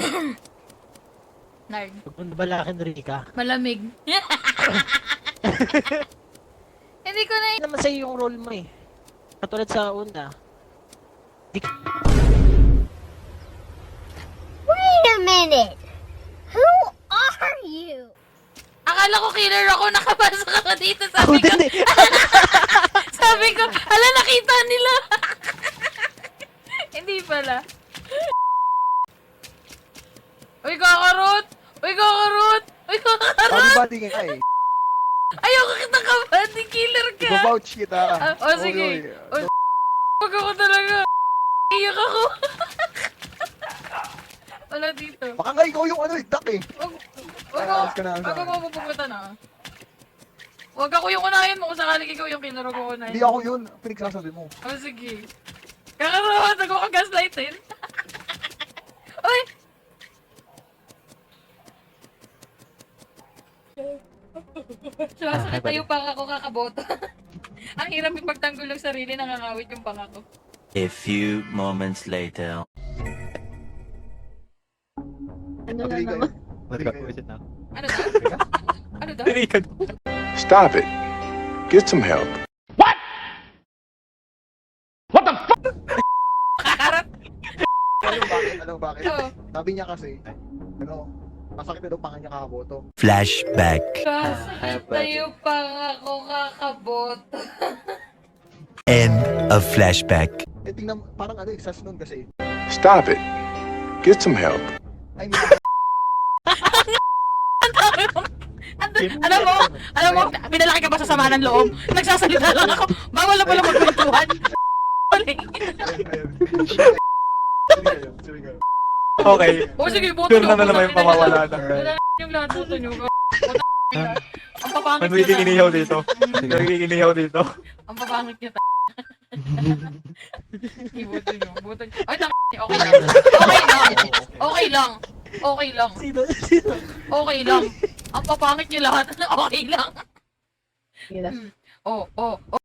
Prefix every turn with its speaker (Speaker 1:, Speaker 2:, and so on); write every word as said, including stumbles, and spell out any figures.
Speaker 1: Nard.
Speaker 2: Huwag mo nabalakin, Rika.
Speaker 1: Malamig. Hindi ko na
Speaker 2: Hindi naman sa'yo yung role mo eh. Katulad sa una. Di
Speaker 3: Wait a minute! Who are you?
Speaker 1: Akala ko killer ako, nakapasok ako dito.
Speaker 2: Ako
Speaker 1: Sabi ko,
Speaker 2: din eh.
Speaker 1: sabi ko, ala nakita nila. Hindi pala. Uy, kakarot! Uy, kakarot! Uy, kakarot!
Speaker 4: Body body nga eh.
Speaker 1: Ayoko kita ka ba? Di killer ka.
Speaker 4: Iba-vouch kita.
Speaker 1: Ah, oh, sige.
Speaker 4: Oy, oy.
Speaker 1: Oh, wag ako talaga. Iyak ako. Wala dito.
Speaker 4: Baka nga ikaw yung ano eh, duck eh.
Speaker 1: Wag, wag
Speaker 4: Ah,
Speaker 1: ako,
Speaker 4: alas ka na, alas
Speaker 1: wag
Speaker 4: ka
Speaker 1: ako mapupunta na. Wag ako yung unahin mo kung sakaling ikaw yung kinarog ko unahin.
Speaker 4: Hindi ako yun. Pinagsasabi mo.
Speaker 1: Oh, sige. Kakarawan, nag ako gaslightin. Uy! Sumasakit na yung panga ko, kakaboto. Ang hirap ipagtanggol ng sarili, nangangawit yung panga ko.
Speaker 5: A few moments later.
Speaker 3: Ano na
Speaker 4: Rica
Speaker 3: naman?
Speaker 4: yun. Rica yun.
Speaker 1: Ano daw? Ano daw?
Speaker 6: Stop it. Get some help.
Speaker 1: Kakarap!
Speaker 4: Alam mo bakit? Alam mo bakit?
Speaker 1: Oo.
Speaker 4: Sabi niya kasi, ano, masakit na daw panga niya kakaboto.
Speaker 5: Flashback.
Speaker 1: Sumasakit na yung panga ko, kakaboto.
Speaker 5: End of flashback.
Speaker 4: Eh tingnan, parang ano eh, sas nun kasi.
Speaker 6: Stop it. Get some help.
Speaker 4: I mean,
Speaker 1: Andun, alam mo, alam mo, binalaki ka ba sa sama ng loob? Nagsasalita lang ako. Bawal na pala magkwentuhan.
Speaker 4: ayun, ayun. Sige yun, sige yun.
Speaker 7: Okay.
Speaker 1: O sige, boto
Speaker 7: Sure
Speaker 1: nyo.
Speaker 7: na na naman yung pamawala na.
Speaker 1: Wala yung lahat boto nyo. Boto nyo. Ang papangit nyo.
Speaker 7: Magiging inihaw dito. Magiging inihaw dito.
Speaker 1: Ang papangit nyo. Boto nyo. Boto nyo. Ay, tang... Okay lang. Okay lang. Okay lang. Okay lang.
Speaker 2: Sino? Sino?
Speaker 1: Okay lang. Ang papangit nyo lahat. Okay lang.
Speaker 3: Sige na.
Speaker 1: Oh, oh, oh.